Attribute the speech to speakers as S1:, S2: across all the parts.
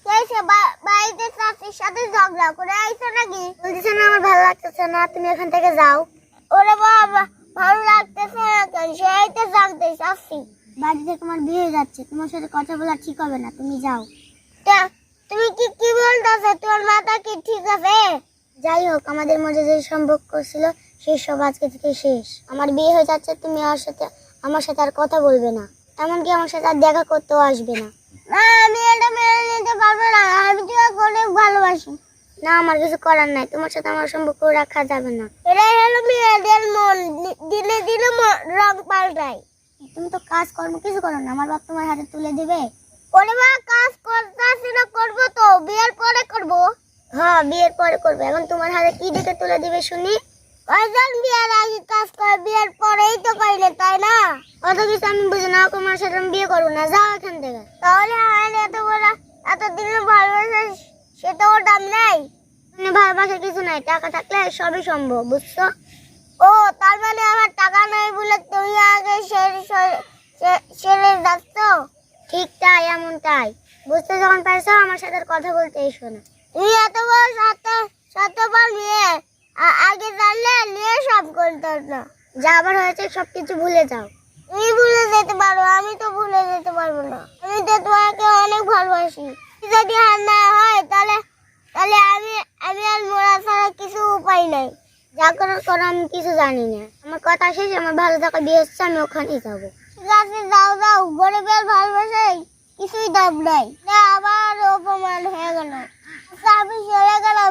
S1: বাড়িতে চাচির সাথে ঝগড়া করে আইছো নাকি? বলতেছে না আমার ভালো লাগতেছে না, তুমি এখান থেকে যাও। ওরে বাবা, ভালো লাগতেছে না কেন? সেই তো জানতে চাচ্ছি। বাড়িতে তোমার বিয়ে হয়ে যাচ্ছে, তোমার সাথে কথা বলা ঠিক হবে না, তুমি যাও। তুমি কি বলতেছো? তোমার মাথা কি ঠিক আছে? যাই হোক, আমাদের মধ্যে যে সম্পর্ক ছিল সেই সব আজকে থেকে শেষ। আমার বিয়ে হয়ে যাচ্ছে, তুমি আমার সাথে আর কথা বলবে না, এমনকি আমার সাথে আর দেখা করতেও আসবে না। না, আমি এটা মেনে নিতে পারবো না। আমি তোমাকে অনেক ভালোবাসি। না, আমার কিছু করার নাই, তোমার সাথে আমার সম্পর্ক রাখা যাবে না। এটাই হলো মেয়েদের মন, দিনে দিনে রং পাল্টায়। তুমি তো কাজ কর্ম কিছু করো না, আমার বাপ তোমার হাতে তুলে দিবে। ওরে মা, কাজ করতেছি না, করবো তো বিয়ের পরে করবো। হ্যাঁ, বিয়ের পরে করবে। এখন তোমার হাতে কি দিকে তুলে দিবে শুনি? কয়জন বিয়ের আগে কাজ করে, বিয়ের পরেই তো কইলে, তাই না? অত কিছু আমি বুঝি না, তোমার সাথে আমি বিয়ে করবো না, যাও এখান থেকে। তাহলে আমার এতদিন ভালোবাসা, সেটা ওর দাম নেই। ভালোবাসার কিছু নাই, টাকা থাকলে সবই সম্ভব, বুঝছো? ও, তার মানে আমার টাকা নাই বলে তুমি আগে সেরে যাচ্ছ? ঠিক তাই, এমন তাই। বুঝতে যখন পারছো, আমার সাথে কথা বলতে এসো না। তুমি এত বড় স্বার্থপর মেয়ে, আগে জানলে নিয়ে সব করতে না। যা আবার হয়েছে সবকিছু ভুলে যাও। তুমি ভুলে যেতে পারো, আমি তো ভুলে যেতে পারবো না। আমি তো তোমাকে অনেক ভালোবাসি। যদি আর না হয় তাহলে আমি আর মরা ছাড়া কিছু উপায় নাই। যা করার করো, আমি কিছু জানি না। আমার কথা শেষ, আমার ভালো থাকা বিয়ে হচ্ছে, আমি ওখানেই যাবো। ঠিক আছে, যাও যাও, গরিবের ভালোবাসাই কিছুই দাম নাই। আবার অপমান হয়ে গেল। আমি চলে গেলাম।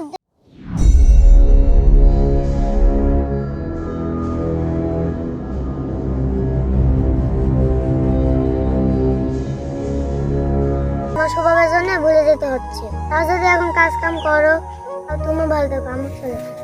S1: তোমার স্বভাবের জন্য ভুলে যেতে হচ্ছে। তা যদি এখন কাজ কাম করো, তুমি ভালো থাকো, আমার চলে